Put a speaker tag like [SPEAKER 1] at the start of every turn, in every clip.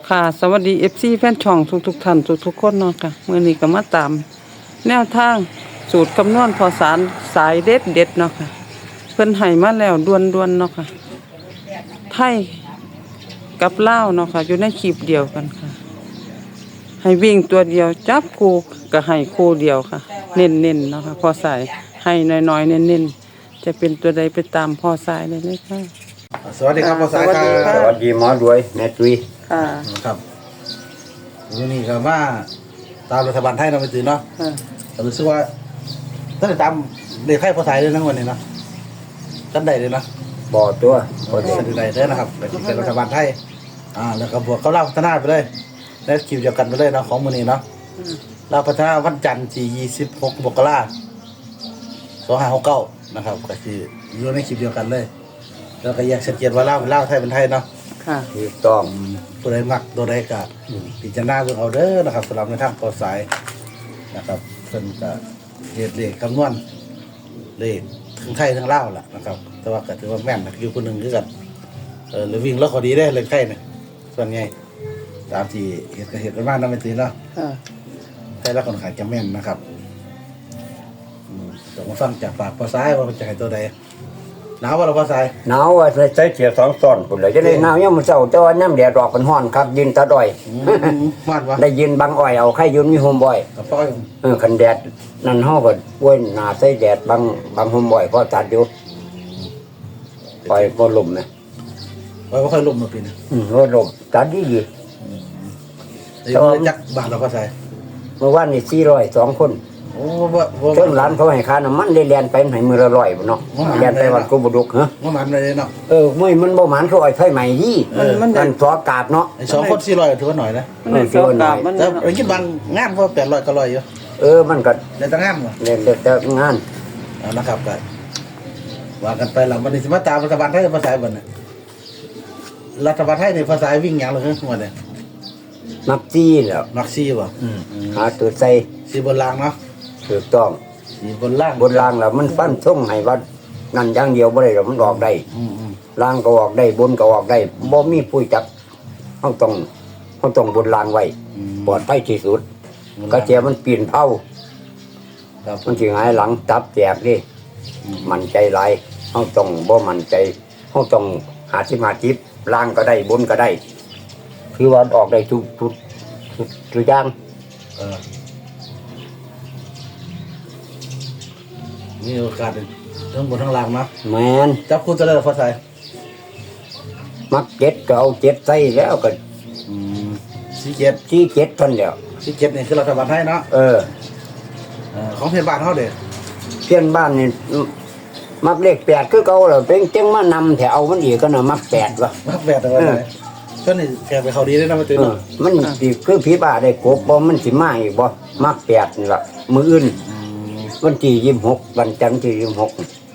[SPEAKER 1] ค่ะสวัสดี FC แฟนช่องทุกท่านทุกคนเนาะค่ะมื้อนี้ก็มาตามแนวทางสูตรคำนวณพอสายเด็ดเนาะค่ะเพิ่นให้มาแล้วด่วนเนาะค่ะไทยกับลาวเนาะค่ะอยู่ในคลิปเดียวกันค่ะให้วิ่งตัวเดียวจับคู่ก็ให้คู่เดียวค่ะเน้นๆเนาะค่ะพอสายให้น้อยๆเน้นๆจะเป็นตัวใดไปตามพอสายเลยค่ะ
[SPEAKER 2] สวัสดีครับภาษา
[SPEAKER 1] สวัสดีค่ะ
[SPEAKER 2] ค
[SPEAKER 3] ส
[SPEAKER 2] รับ
[SPEAKER 3] วัสดีหมอรวยแม่ตุย
[SPEAKER 1] ค่ะ
[SPEAKER 2] ครับวันนี้ก็ว่าตามรัฐบาลไทยเราไปตื่นเนาะ
[SPEAKER 1] ค่ะ
[SPEAKER 2] แต่รู้สึกว่าตั้งแต่ตามเด็กไทยภาษาเลยนะวันนี้เนาะตั้งใดเลยเนาะ
[SPEAKER 3] บ่อตัว
[SPEAKER 2] พอจะสนิทใดได้นะครับเป็นรัฐบาลไทยแล้วก็บวกเขาเล่าพัฒนาไปเลยและคิวเดียวกันไปเลยเนาะของมือนี้เนาะเราพัฒนาวันจันทร์ที่26 มกราคม 2569นะครับก็คืออยู่ในคลิปเดียวกันเลยแล้วก็แยกชัดเจนว่าเล่าไทยเป็นไทยเนาะ
[SPEAKER 1] ค่ะ
[SPEAKER 3] ถูกต้อง
[SPEAKER 2] ตัวใดมักตัวใดก็พิจารณาเบิ่งเอาเด้อนะครับสำหรับในทางปอสายนะครับเพิ่นก็เลขคำนวณเลขทั้งไทยทั้งลาวล่ะนะครับแต่ว่าก็ถือว่าแม่นนะอยู่คนหนึงคือกันหรือวิ่งแล้วก็ดีได้เลขไทยเนี่ยส่วนใหญ่ตามที่เห็นกันมากนำไปตีเนาะ
[SPEAKER 1] ค่ะ
[SPEAKER 2] ไทยแล้วคนขายจะแม่นนะครับต้องมาฟังจากปากปอสายว่ามันจะให้ตัวใดหนาวว่าเราปอสาย
[SPEAKER 3] หนาวว่าใส่เสื้อสองซ้อนพุ่นเลยจะได้หนาวยามมื้อเช้าแต่ว่าน้ำแดดออกเป็นร้อนครับยืนตาดอย
[SPEAKER 2] มาดวะ
[SPEAKER 3] ได้ยืนบังอ้อยเอาใครยืนมีโฮมบ่อย
[SPEAKER 2] กับป้อย
[SPEAKER 3] คันแดดนั่นเฮาก็ป่วยหน้าใส่แดดบังโฮมบ่อยพอตัดอยู่ปล่อยบ่ลมนะ
[SPEAKER 2] ป้อยบ่ค่อยลมมาปีนี้
[SPEAKER 3] บ่ลมตัดดี
[SPEAKER 2] เดี๋ยวเราจักบาทเราปอสาย
[SPEAKER 3] เมื่อวานนี่400 2คน
[SPEAKER 2] โอ้บ่
[SPEAKER 3] เชิงร้านเขาให้ค่าน้ำมันได้เรียนไปให้มื้อละ100บ่เนาะเรียนไปวันกูบ่ดุกฮะ
[SPEAKER 2] ว่ามันเลยเนาะ
[SPEAKER 3] มื้อมันบ่หมานเขาอ้อยไฟใหม่ดี มันสอกาบเนาะ
[SPEAKER 2] ไอ้2 คน400ถือว่าหน่อยนะ
[SPEAKER 1] มันได้สอบกลับมัน
[SPEAKER 2] แต่ไอ้คิดบางงานเพราะ800ก็100อยู่
[SPEAKER 3] มันก็
[SPEAKER 2] ในต่างงานบ่
[SPEAKER 3] เรียนแต่งาน
[SPEAKER 2] นะครับก็ว่ากันไปหลังวันนี้สิมาตามรัฐบาลไทยภาษาบ่เนี่ยรัฐบาลไทยในภาษาวิ่งหยังล่ะคือหมดเนี่ย
[SPEAKER 3] มักจี้แล้ว
[SPEAKER 2] มักซี่บ่
[SPEAKER 3] หาตัวใส่
[SPEAKER 2] สีบนรางเนาะ
[SPEAKER 3] ถูกต้อง
[SPEAKER 2] สีบนล่าง
[SPEAKER 3] บนรางแล้วมันฟันท่งให้ว่านั่นอย่างเดียวบ่ได้หรอกมันออกได้
[SPEAKER 2] อืม
[SPEAKER 3] รางก็ออกได้บนก็ออกได้บ่มีผู้จับเฮาต้องบนรางไว้ปลอดภัยที่สุดก็เจียมันปีนเผา
[SPEAKER 2] ครับ
[SPEAKER 3] มันสิหงายหลังตับแตกดิมันใจหลายเฮาต้องบ่มั่นใจเฮาต้องหาที่มาจิบรางก็ได้บนก็ได้คือว่าออกได้ทุกอย่าง
[SPEAKER 2] มีโอกาสทั้งบนทั้งล่างเนาะ
[SPEAKER 3] แม่น
[SPEAKER 2] จับคู่จะได้ภาษา
[SPEAKER 3] มักเจ็ดก็เอาเจ็ดใส่แล้วก็
[SPEAKER 2] สีเจ็ด
[SPEAKER 3] ชี้เจ็ดเท่านเดียว
[SPEAKER 2] สีเจ็ดนี่คือรัฐบาลไทยเนาะของเทศบาลเฮาเด้
[SPEAKER 3] เพื่อนบ้านนี่มักเลข8คือเก่าแล้วเป็นจังมานำแถวเอามันอีกก็น่ะมัก8ว่ะ
[SPEAKER 2] มักแบบแต่ว่าไหนก็นี่แกไปเขาดีได้นะมาตื่นเนาะ
[SPEAKER 3] มันสิคือผีบ้าได้กบบ่มันสิมาอีกบ่มัก8นี่ล่ะมื้ออื่นวันที่26วันจันทร์ที่26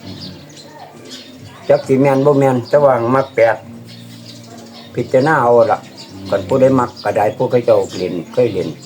[SPEAKER 3] จักสิแม่นบ่แม่นแต่ว่ามัก8พิจารณาเอาล่ะคันผู้ใดมักก็ได้ผู้เขาเจ้าเล่นเคยเล่น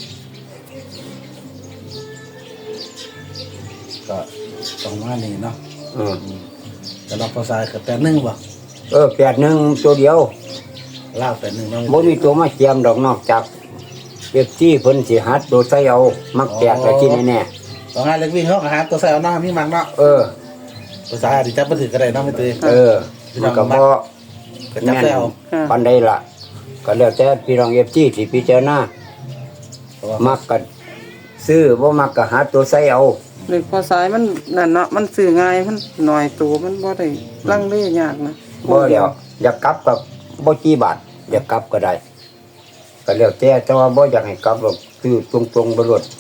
[SPEAKER 2] ก็ต้องมานี่เนาะ
[SPEAKER 3] อือ
[SPEAKER 2] แต่เราภาษาก็81บ่
[SPEAKER 3] 81ตัวเดียว
[SPEAKER 2] ลาว81เนาะ
[SPEAKER 3] บ่มีตัวมาเจียมดอกนอกจากเอฟซีเพิ่นสิหัดโดดใส่เอามักแตกก็กินแน่
[SPEAKER 2] ของงานเล็กวิ่งเฮาก็หาตัวใส่เอาเนาะมีมักเนาะ ภาษาที่จับบ่ถือก็ได้เนาะไม่ตื่น
[SPEAKER 3] มันก็บ่
[SPEAKER 2] ก็จับ
[SPEAKER 3] แม่น
[SPEAKER 2] ใส่เอา
[SPEAKER 3] ปานใดล่ะก็แล้วแต่พี่น้อง FG สิพิจารณามักก็ซื้อบ่มักก็หาตัวใส่เอา
[SPEAKER 1] เด็กพอสายมันนั่นเนาะมันสื่อง่ายมันหน่อยตัวมันบ่ได้ลังเลยากนะ
[SPEAKER 3] บ่แล้วอยากกลับก็บ่กี่บาทอยากกลับก็ได้ก็แล้วแต่ว่าบ่อยากให้กลับหรอกซื้อตรงๆบ่รวด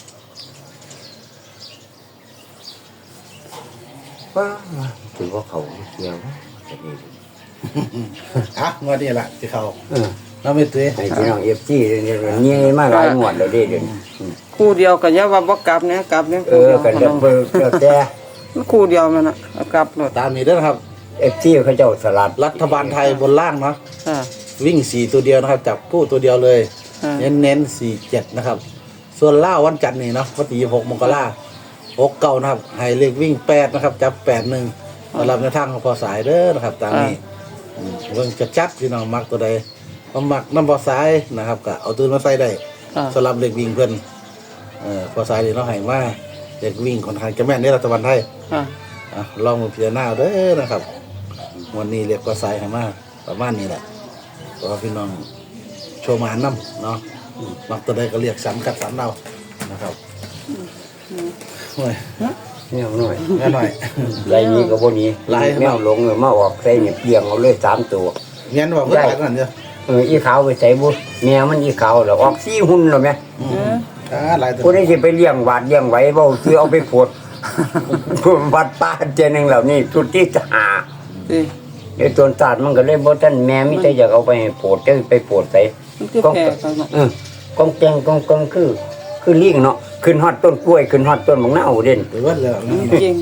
[SPEAKER 3] ว้าถือว่าเขาเกี่ยวจะดี
[SPEAKER 2] งวดนี้ล่ะสิเข้า
[SPEAKER 3] เออ
[SPEAKER 2] เราไม่ตื่น
[SPEAKER 3] ให้พี่น้องFG เนี่ยมาหลายงวดแล้วเด้เดี๋ยวนี้
[SPEAKER 1] คู่เดียวก็อย่าว่าบ่กลับเนี่ยกลับเนี่ย
[SPEAKER 3] กันเดี๋ยวเพิ่นแต่
[SPEAKER 1] มันคู่เดียวมันน่ะเอากลับหมด
[SPEAKER 2] ตามนี้เด้อครับ
[SPEAKER 3] FG เขาเจ้าสลัด
[SPEAKER 2] รัฐบาลไทยบนล่างเนาะ
[SPEAKER 1] ค่ะ
[SPEAKER 2] วิ่ง4ตัวเดียวนะครับจับคู่ตัวเดียวเลย
[SPEAKER 1] ค่ะ
[SPEAKER 2] เน้น47นะครับส่วนล่าวันจันทร์นี่เนาะวันที่26 มกราคม69นะครับให้เลขวิ่ง8นะครับจับ81สำหรับในทางของพอสายเด้อนะครับตามนี้เบิ่งจะจัดพี่น้องมักตัวใดความมักน้ำพอสายนะครับก็เอาตัวมาใส่ได้
[SPEAKER 1] ค่ะ
[SPEAKER 2] สำหรับเด็กวิ่งเพิ่นพอสายนี่เราให้มาเด็กวิ่งค่อนข้างจะแม่นในรัฐบาลไทย
[SPEAKER 1] ค่ะ
[SPEAKER 2] ลองมาพิจารณาเอาเด้อนะครับ วันนี้เรียกพอสายให้มาประมาณนี้แหละเพราะว่าพี่น้องโชว์หมานน้ำเนาะมักตัวใดก็เรียกสันกัดสันเอานะครับโอ้ย
[SPEAKER 3] แมวหน่อย
[SPEAKER 2] แม่หน่อย
[SPEAKER 3] ไรนี้ก็บ่หนี้
[SPEAKER 2] ไล่
[SPEAKER 3] แมวหลงเลยมาออกใส่เนี่ยเปลียงเอาเลย3ตัว
[SPEAKER 2] เงี้ยบอกเพื่อนกันเยอะ
[SPEAKER 3] อีขาวไปใส่บุแมวมันอีขาวแล้วออก4หุ่นแล้วแม่
[SPEAKER 2] หลายตัว
[SPEAKER 3] ผู้นี้สิไปเลี้ยงหวาดเลี้ยงไว้บ่คือเอาไปโพด วัดป้าเจนึงแล้วนี่สุดที่จะหา
[SPEAKER 1] สิ
[SPEAKER 3] ไอ้ตัวศาสตร์มันก็เลยบ่ทันแม่มีแต่อยากเอาไปโพดจะไปโพดใส่
[SPEAKER 1] มันคือแพร่เขาเนาะ
[SPEAKER 3] กองแกงกองคือลิงเนาะขึ้นฮอดต้นกล้วยขึ้นฮอดต้นมะนาวเด่น
[SPEAKER 2] หรือว่าเลย
[SPEAKER 1] จริง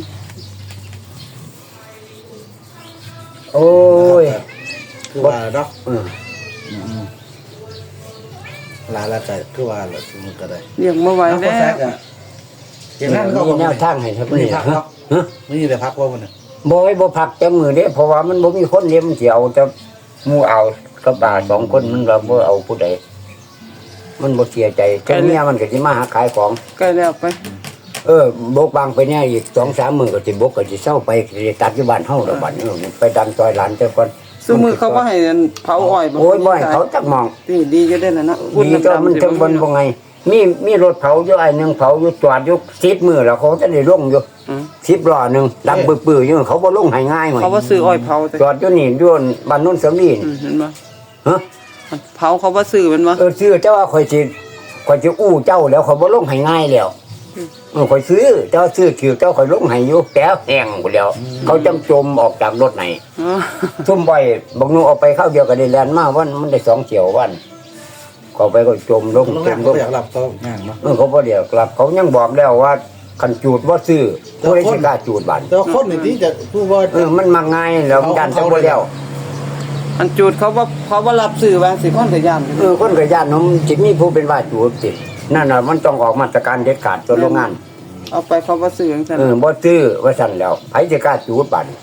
[SPEAKER 3] โอ้ย
[SPEAKER 2] คือว่าเนาะ
[SPEAKER 3] เออ
[SPEAKER 2] ลาละก็คือว่าละสมมุติก็ได้
[SPEAKER 1] เลี้ยงบ่ไหว
[SPEAKER 2] แล้วก็
[SPEAKER 1] แล้ว
[SPEAKER 2] แซกอ่ะเห็นนั่นก็
[SPEAKER 3] มีแนวทางให้ครับ
[SPEAKER 2] ไม่
[SPEAKER 3] นี่
[SPEAKER 2] ได้พัก
[SPEAKER 3] ฮะ
[SPEAKER 2] เนาะ
[SPEAKER 3] ฮะ
[SPEAKER 2] ไม่ได้พักว่ามันเนี่ย
[SPEAKER 3] บ่พักจังมือเด้เพราะว่ามันบ่มีคนเลี้ยงมันสิเอาแต่หมู่เอากับบ่า2คนมันว่าบ่เอาผู้ใดมันบ่เสียใจจังเมียมันก็สิมาหาขายของ
[SPEAKER 1] ใกล้แล้วไป
[SPEAKER 3] บกบางไปเนี่ยอีก2-3 มื้อก็สิบกก็สิเซาไปสิตัดอยู่บ้านเฮาแล้วบัดนี้ไปดันซอยหลานแต่ก่อน
[SPEAKER 1] ซุมื้อเขาบ่ให้เผาอ้อย
[SPEAKER 3] โอ้ยบ่ให้เขาจักมอง
[SPEAKER 1] นี่ดีอยู่เด้อน่ะเนาะ
[SPEAKER 3] ดีก็มันถึงบนบ่ไงมีรถเผาอยู่ไอ้หนึงเผาอยู่จอดอยู่10มื้อแล้วเขาจะได้ลงอยู่
[SPEAKER 1] อืม
[SPEAKER 3] 10ล้อหนึงดังปื้อๆอยู่เขาบ่ลงให้ง่ายหน่อย
[SPEAKER 1] เขาบ่ซื้ออ้อยเผาแต่
[SPEAKER 3] จอดอยู่นี่อยู่บ้านโนนเสรีน
[SPEAKER 1] เห็นบ่
[SPEAKER 3] ฮะ
[SPEAKER 1] เผาเขาบ่ซื้อมันบ่
[SPEAKER 3] ซื้อแต่ว่าข่อยสิอู้เจ้าแล้วเขาบ่ลงให้ง่ายแล้วข่อยซื้อเจ้าซื้อถือเจ้าข่อยลงให้อยู่แก้วแห้งหมดแล้ว เขาจำจมออกจากรถไหน
[SPEAKER 1] อ๋อ
[SPEAKER 3] ทุ่มบ่อยบอกหนูเอาไปเข้าเดียวกับได้แลนมาวันมันได้2เที่ยววันเขาไปก็จมลง
[SPEAKER 2] โรง
[SPEAKER 3] จ
[SPEAKER 2] แรม
[SPEAKER 3] มล
[SPEAKER 2] ก็
[SPEAKER 3] ง
[SPEAKER 2] อยากหลับก็ง่ายเนาะ
[SPEAKER 3] เขาบ่เดียวกลับเขายังบอกแล้วว่าคันจูดบ่ซื้อผู้ใดสิกล้าจูดบัด
[SPEAKER 2] แต่ว่าคนนี่ที่จะพูดว่า
[SPEAKER 3] มันมาง่ายแล้วยันจังบ่แล้ว
[SPEAKER 1] อันจูดเขาบ่รับซื้อว่าสิคนก็ย่าน
[SPEAKER 3] คนก็ย่านนมสิมีผู้เป็นว่าจูดติดนั่นน่ะมันต้องออกมาตรการเด็ดขาดตัวโรงงาน
[SPEAKER 1] เอาไปเขาบ่ซื้อจังซั่น
[SPEAKER 3] บ่ซื้อว่าซั่นแล้วไผสิกล้าจูดบัด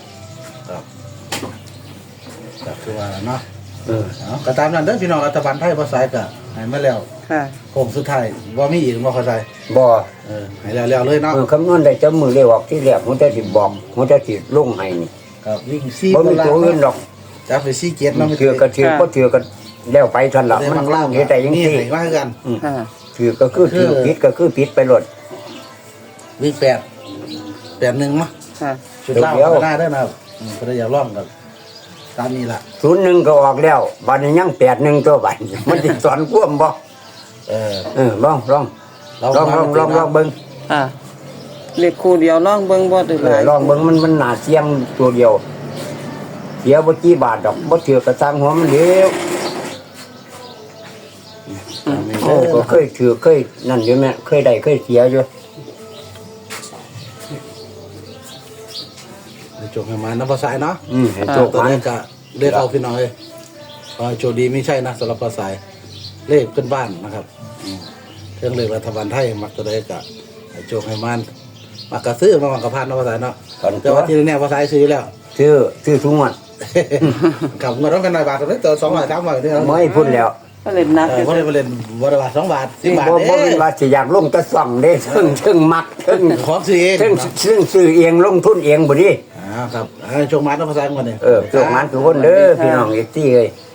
[SPEAKER 2] ก็คือว่าเนาะ
[SPEAKER 3] เออ
[SPEAKER 2] ก็ตามนั้นเด้อพี่น้องรัฐบาลไทยพอสายก็ให้มาแล้ว
[SPEAKER 1] ค่ะ
[SPEAKER 2] โค้งสุดท้ายว่ามีอีกบ่เข้าใจ
[SPEAKER 3] บ่
[SPEAKER 2] ให้แล้วเลยเนาะ
[SPEAKER 3] คำนวณได้จำมือเลยออกที่แรกมันจะสิบอกมันจะสิลงให้นี่
[SPEAKER 2] ครับวิ่งซี่
[SPEAKER 3] บ่มีตัวอื่นดอก
[SPEAKER 2] จับไปซี่เกียรติเนาะ
[SPEAKER 3] ถือก็ถือบ่ถือก็แล้วไปทันละมันล่างเฮ็ดได้จัง
[SPEAKER 2] นี่
[SPEAKER 3] ซี่
[SPEAKER 2] ให้ว่ากัน
[SPEAKER 1] ค่ะ
[SPEAKER 3] ถือก็คือถือผิดก็คือผิดไปหลด
[SPEAKER 2] วิ่ง8-1มั้ง
[SPEAKER 1] ค่ะ
[SPEAKER 2] ชุดล่างก็ได้เด้อนะครับก็ได้อยากลองกับตามนี้ล่ะ
[SPEAKER 3] 01ก็ออกแล้วบัดนี้ยัง81ตัวบัดมันสิสอนควมบ่ ลองเบิ่ง
[SPEAKER 1] ค่ะเล็กคู่เดียวลองเบิ่งบ่ได้หลาย
[SPEAKER 3] ลองเบิ่งมันน่าเสี่ยงตัวเดียวเสียบ่กี่บาทดอกบ่ถือกระซังหัวมันเดียว
[SPEAKER 2] ตามนี้
[SPEAKER 3] โอ้
[SPEAKER 2] เด้
[SPEAKER 3] ก็
[SPEAKER 2] อ
[SPEAKER 3] เคยถือเคยนั่นอยู่แม่เคยได้เคยเสียอยู่
[SPEAKER 2] จบให้มาน้ำพอสายเนาะ
[SPEAKER 3] ให้โชค
[SPEAKER 2] ตัว
[SPEAKER 3] มา
[SPEAKER 2] นี้ก็เรียกเอาพี่น้อยโชคดีไม่ใช่นะสำหรับพอสายเลขขึ้นบ้านนะครับเครื่องเลขรัฐบาลไทยมักตัวใดก็ให้โชคให้มันมักกระซื้อมามักกระพานนะพอสายเนาะแต่ว่าที่นี่พอสายซื้อแล้ว
[SPEAKER 3] ซื้อทุกงวด
[SPEAKER 2] กับเงินต้องกันหน่อยบาทตอนนี้ตัว200 300นี่
[SPEAKER 3] บ่ให้พุ่นแล้ว
[SPEAKER 1] ก็เล่นนัก
[SPEAKER 2] เพราะเลยมาเล่นวันละบาท2 บาท10 บาท
[SPEAKER 3] บ่เป็นว่าสิอยากลงแตะส่องเด้ถึงมักถึง
[SPEAKER 2] ของซื้อเอง
[SPEAKER 3] ซื้อเองลงทุนเองบ่ดิ
[SPEAKER 2] ครับโชคมันน้ำพอสายกันเนี่ย
[SPEAKER 3] โชคมันทุกคนเด้อพี่น้องอีกที่เอ้ย